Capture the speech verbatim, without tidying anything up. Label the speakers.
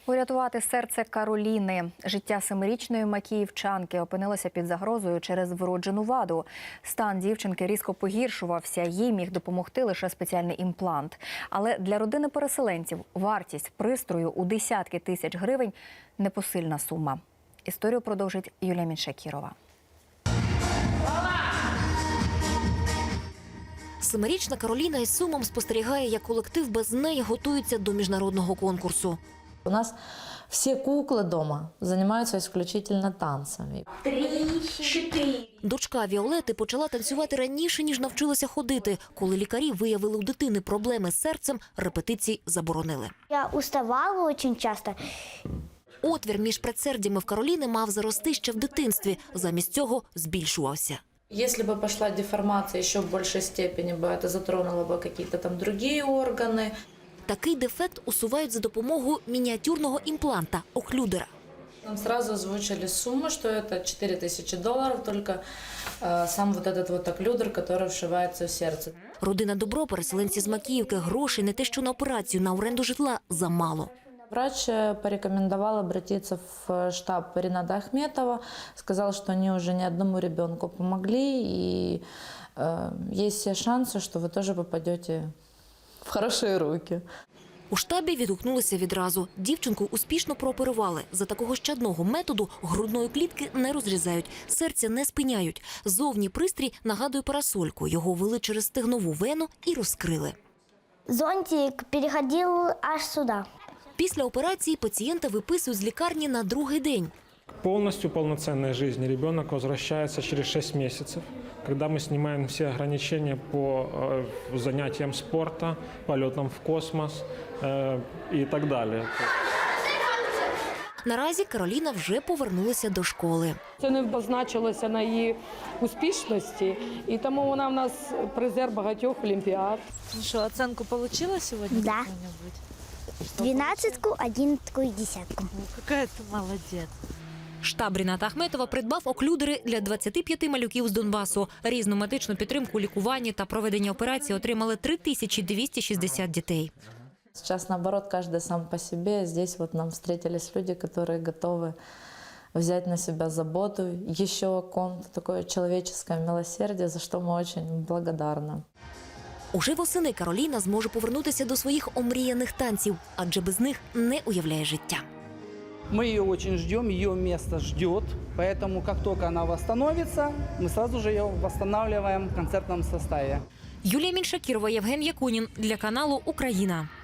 Speaker 1: Урятувати серце Кароліни. Життя семирічної макіївчанки опинилося під загрозою через вроджену ваду. Стан дівчинки різко погіршувався, їй міг допомогти лише спеціальний імплант. Але для родини переселенців вартість пристрою у десятки тисяч гривень – непосильна сума. Історію продовжить Юлія Міншакірова.
Speaker 2: Семирічна Кароліна із сумом спостерігає, як колектив без неї готується до міжнародного конкурсу.
Speaker 3: У нас все куклы дома занимаются исключительно танцами.
Speaker 4: Три, чотири.
Speaker 2: Дочка Віолети почала танцювати раніше, ніж навчилася ходити. Коли лікарі виявили у дитини проблеми з серцем, репетицій заборонили.
Speaker 4: Я уставала дуже часто.
Speaker 2: Отвір між предсердями в Кароліни мав зарости ще в дитинстві. Замість цього збільшувався.
Speaker 5: Если бы пошла деформация еще в большей степени, бы это затронуло бы какие-то там другие органы.
Speaker 2: Такий дефект усувають за допомогою мініатюрного імпланта – оклюдера.
Speaker 5: Нам сразу озвучили сумму, что это четыре тысячи долларов, только э, сам вот этот вот оклюдер, который вшивается в сердце.
Speaker 2: Родина Добро, переселенці з Макіївки, грошей не те що на операцію, на оренду житла замало.
Speaker 3: Врач порекомендовал обратиться в штаб Рината Ахметова, сказал, что они уже ни одному ребенку помогли, и э, есть все шансы, что вы тоже попадете в хорошие руки.
Speaker 2: У штабі відгукнулися відразу. Дівчинку успішно прооперували. За такого щадного методу грудної клітки не розрізають, серця не спиняють. Зовні пристрій нагадує парасольку. Його ввели через стегнову вену і розкрили.
Speaker 4: Зонтик переходив аж сюди.
Speaker 2: Після операції пацієнта виписують з лікарні на другий день.
Speaker 6: Полностью полноценной жизни ребенок возвращается через шесть месяцев, когда мы снимаем все ограничения по э, занятиям спорта, полетам в космос э, и так далее.
Speaker 2: Наразі Кароліна вже повернулася до школи.
Speaker 7: Це не позначилося на її успішності, і тому вона в нас призер багатьох олімпіад.
Speaker 8: Ну что, оценку получила сегодня?
Speaker 4: Да.
Speaker 8: какую-нибудь?
Speaker 4: Дванадцятку, одинадцятку і десятку.
Speaker 8: Ну, какая ты молодец.
Speaker 2: Штаб Ріната Ахметова придбав оклюдери для двадцяти п'яти малюків з Донбасу. Різну медичну підтримку у лікуванні та проведення операції отримали три тисячі двісті шістдесят дітей.
Speaker 3: Сейчас, наоборот, каждый сам по себе. Здесь вот нам встретились люди, которые готовы взять на себя заботу, еще о ком-то, такое человеческое милосердие, за что мы очень благодарны.
Speaker 2: Уже восени Кароліна зможе повернутися до своїх омріяних танців, адже без них не уявляє життя.
Speaker 9: Мы ее очень ждем, ее место ждет, поэтому как только она восстановится, мы сразу же ее восстанавливаем в концертном составе.
Speaker 2: Юлія Міншакірова, Євген Якунін для каналу «Україна».